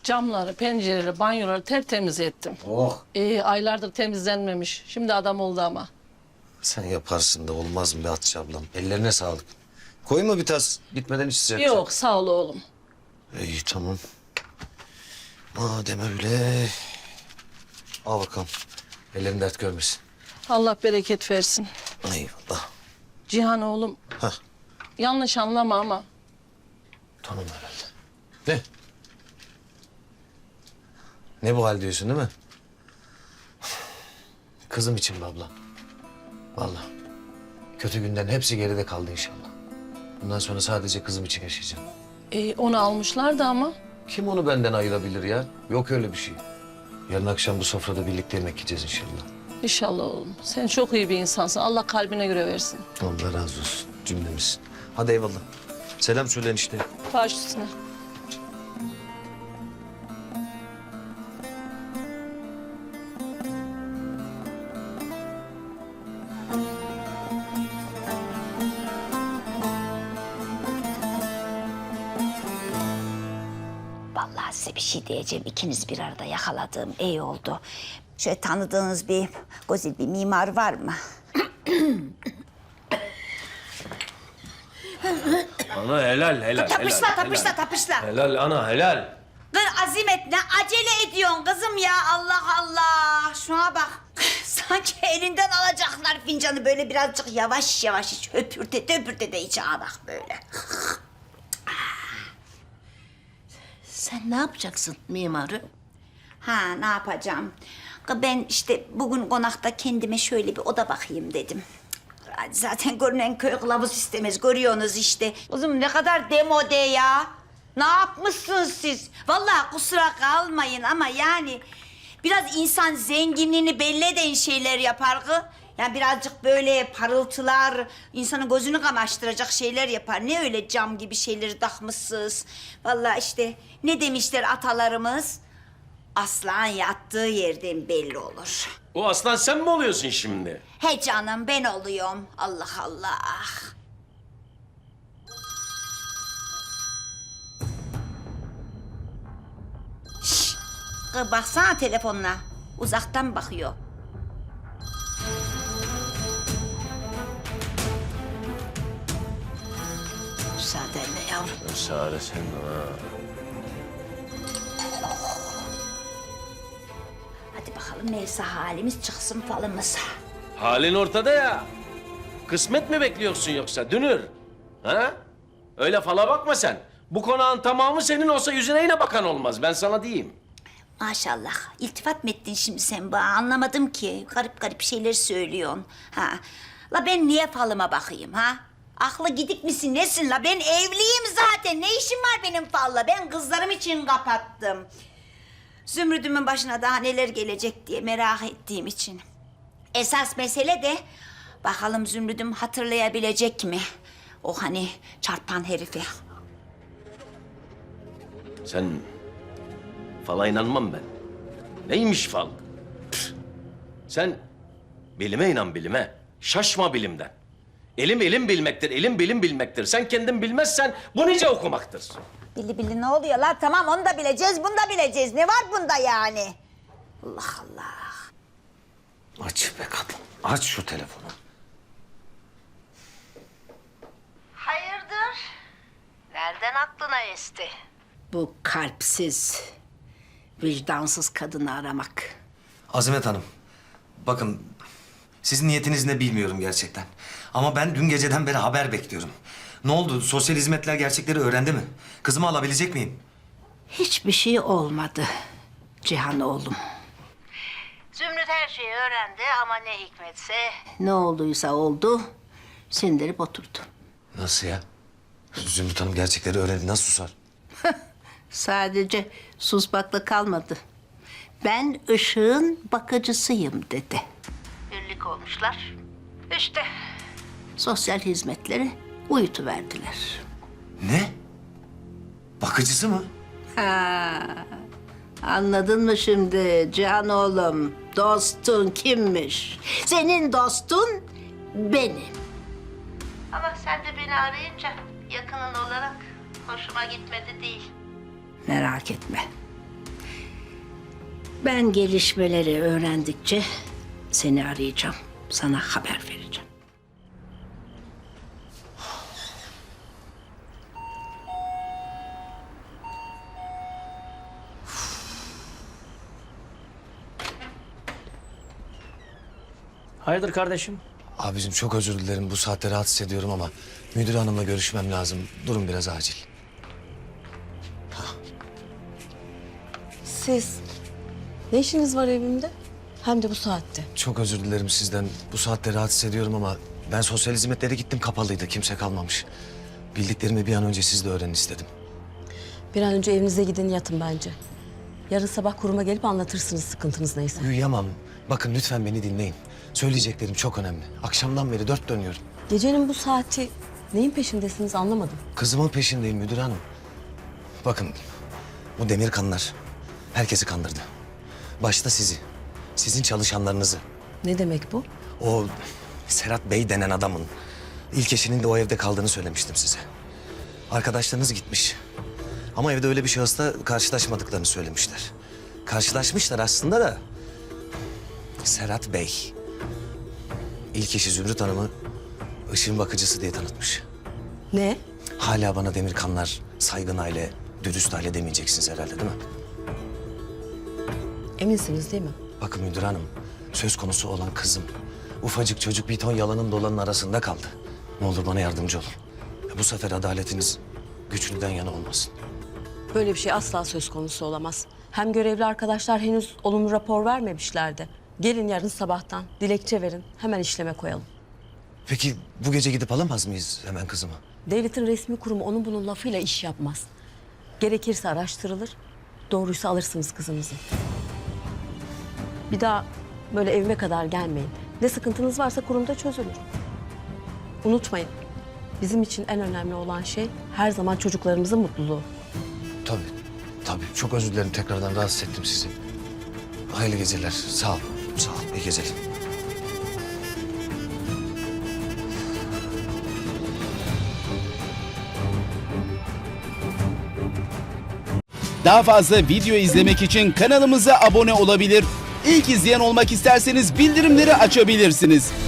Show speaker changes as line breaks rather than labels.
Camları, pencereleri, banyoları tertemiz ettim.
Oh.
Aylardır temizlenmemiş. Şimdi adam oldu ama.
Sen yaparsın da olmaz mı be Hatice ablam? Ellerine sağlık. Koyma bir tas. Gitmeden içecek.
Yok sağ ol oğlum.
İyi tamam. Madem öyle. Al bakalım. Ellerin dert görmesin.
Allah bereket versin.
Eyvallah.
Cihan oğlum.
Hah.
Yanlış anlama ama.
Tamam herhalde. Ne? Ne bu hal diyorsun değil mi? Kızım için be abla. Vallahi. Kötü günden hepsi geride kaldı inşallah. Bundan sonra sadece kızım için yaşayacağım.
Onu almışlardı ama.
Kim onu benden ayırabilir ya? Yok öyle bir şey. Yarın akşam bu sofrada birlikte yemek yiyeceğiz inşallah.
İnşallah oğlum. Sen çok iyi bir insansın. Allah kalbine göre versin.
Allah razı olsun cümlemiz. Hadi eyvallah. Selam söyleyin işte.
Baş üstüne.
Vallahi size bir şey diyeceğim. İkiniz bir arada yakaladığım iyi oldu. Şöyle tanıdığınız bir güzel bir mimar var mı?
Ana helal.
Tapışla,
helal,
tapışla,
helal.
tapışla.
Helal ana helal.
Kız Azimet ne acele ediyorsun kızım ya Allah Allah. Şuna bak. Sanki elinden alacaklar fincanı böyle birazcık yavaş yavaş iç. Höpürte de iç bak böyle.
Sen ne yapacaksın mimarı?
Ha ne yapacağım? Ben işte bugün konakta kendime şöyle bir oda bakayım dedim. Zaten görünen köy kılavuz istemez. Görüyorsunuz işte. Kızım ne kadar demode ya. Ne yapmışsınız siz? Vallahi kusura kalmayın ama yani... Biraz insan zenginliğini belli eden şeyler yapar ki. Yani birazcık böyle parıltılar, insanın gözünü kamaştıracak şeyler yapar. Ne öyle cam gibi şeyleri takmışsınız. Vallahi işte ne demişler atalarımız? Aslan yattığı yerden belli olur.
O aslan sen mi oluyorsun şimdi?
He canım ben oluyorum. Allah Allah. Şşş! Kız baksana telefonuna. Uzaktan bakıyor.
Müsaadenle yavrum.
Müsaade sen ha.
Hadi bakalım neyse halimiz çıksın falımız.
Halin ortada ya. Kısmet mi bekliyorsun yoksa Dünür? Ha? Öyle fala bakma sen. Bu konağın tamamı senin olsa yüzüne yine bakan olmaz. Ben sana diyeyim.
Maşallah. İltifat mı ettin şimdi sen bana? Anlamadım ki. Garip garip şeyler söylüyorsun. Ha. La ben niye falıma bakayım ha? Aklı gidik misin nesin la? Ben evliyim zaten. Ne işim var benim falla? Ben kızlarım için kapattım. Zümrüdümün başına daha neler gelecek diye merak ettiğim için. Esas mesele de bakalım Zümrüdüm hatırlayabilecek mi? O hani çarpan herifi.
Sen fala inanmam ben. Neymiş fal? Püh. Sen bilime inan bilime. Şaşma bilimden. Elim bilmektir, elim bilim bilmektir. Sen kendin bilmezsen bu nice okumaktır.
Bili ne oluyor la? Tamam onu da bileceğiz, bunu da bileceğiz. Ne var bunda yani? Allah Allah.
Aç be kadın. Aç şu telefonu.
Hayırdır? Nereden aklına esti? Bu kalpsiz, vicdansız kadını aramak.
Azimet Hanım. Bakın sizin niyetiniz ne bilmiyorum gerçekten. Ama ben dün geceden beri haber bekliyorum. Ne oldu? Sosyal hizmetler gerçekleri öğrendi mi? Kızımı alabilecek miyim?
Hiçbir şey olmadı Cihan oğlum. Zümrüt her şeyi öğrendi ama ne hikmetse... Ne olduysa oldu, sindirip oturdu.
Nasıl ya? Zümrüt Hanım gerçekleri öğrendi. Nasıl susar?
Sadece susmakla kalmadı. Ben ışığın bakıcısıyım dedi. Birlik olmuşlar. İşte sosyal hizmetleri uyutuverdiler.
Ne? Bakıcısı mı?
Ha, anladın mı şimdi Cihan oğlum? Dostun kimmiş? Senin dostun benim. Ama sen de beni arayınca yakının olarak hoşuma gitmedi değil. Merak etme. Ben gelişmeleri öğrendikçe seni arayacağım. Sana haber vereceğim.
Hayırdır kardeşim?
Abicim çok özür dilerim bu saatte rahatsız ediyorum ama müdür hanımla görüşmem lazım. Durum biraz acil.
Siz ne işiniz var evimde? Hem de bu saatte.
Çok özür dilerim sizden. Bu saatte rahatsız ediyorum ama ben sosyal hizmetlere gittim, kapalıydı. Kimse kalmamış. Bildiklerimi bir an önce siz de öğrenin istedim.
Bir an önce evinize gidin yatın bence. Yarın sabah kuruma gelip anlatırsınız sıkıntınız neyse.
Uyuyamam. Bakın lütfen beni dinleyin. Söyleyeceklerim çok önemli. Akşamdan beri dört dönüyorum.
Gecenin bu saati neyin peşindesiniz anlamadım.
Kızımın peşindeyim müdür hanım. Bakın bu Demirkanlar herkesi kandırdı. Başta sizi, sizin çalışanlarınızı.
Ne demek bu?
O Serhat Bey denen adamın ilk eşinin de o evde kaldığını söylemiştim size. Arkadaşlarınız gitmiş. Ama evde öyle bir şahısla karşılaşmadıklarını söylemişler. Karşılaşmışlar aslında da Serhat Bey ilk eşi Zümrüt Hanım'ı ışığın bakıcısı diye tanıtmış.
Ne?
Hala bana Demirkanlar saygın aile, dürüst aile demeyeceksiniz herhalde değil mi?
Eminsiniz değil mi?
Bakın müdür hanım, söz konusu olan kızım. Ufacık çocuk bir ton yalanın dolanın arasında kaldı. Ne olur bana yardımcı olun. Bu sefer adaletiniz güçlüden yana olmasın.
Böyle bir şey asla söz konusu olamaz. Hem görevli arkadaşlar henüz olumlu rapor vermemişlerdi. Gelin yarın sabahtan dilekçe verin. Hemen işleme koyalım.
Peki bu gece gidip alamaz mıyız hemen kızımı?
Devletin resmi kurumu onun bunun lafıyla iş yapmaz. Gerekirse araştırılır. Doğruysa alırsınız kızınızı. Bir daha böyle evime kadar gelmeyin. Ne sıkıntınız varsa kurumda çözülür. Unutmayın. Bizim için en önemli olan şey her zaman çocuklarımızın mutluluğu.
Tabii, tabii. Çok özür dilerim tekrardan rahatsız ettim sizi. Hayırlı geceler. Sağ ol, sağ ol. İyi geceler.
Daha fazla video izlemek için kanalımıza abone olabilir. İlk izleyen olmak isterseniz bildirimleri açabilirsiniz.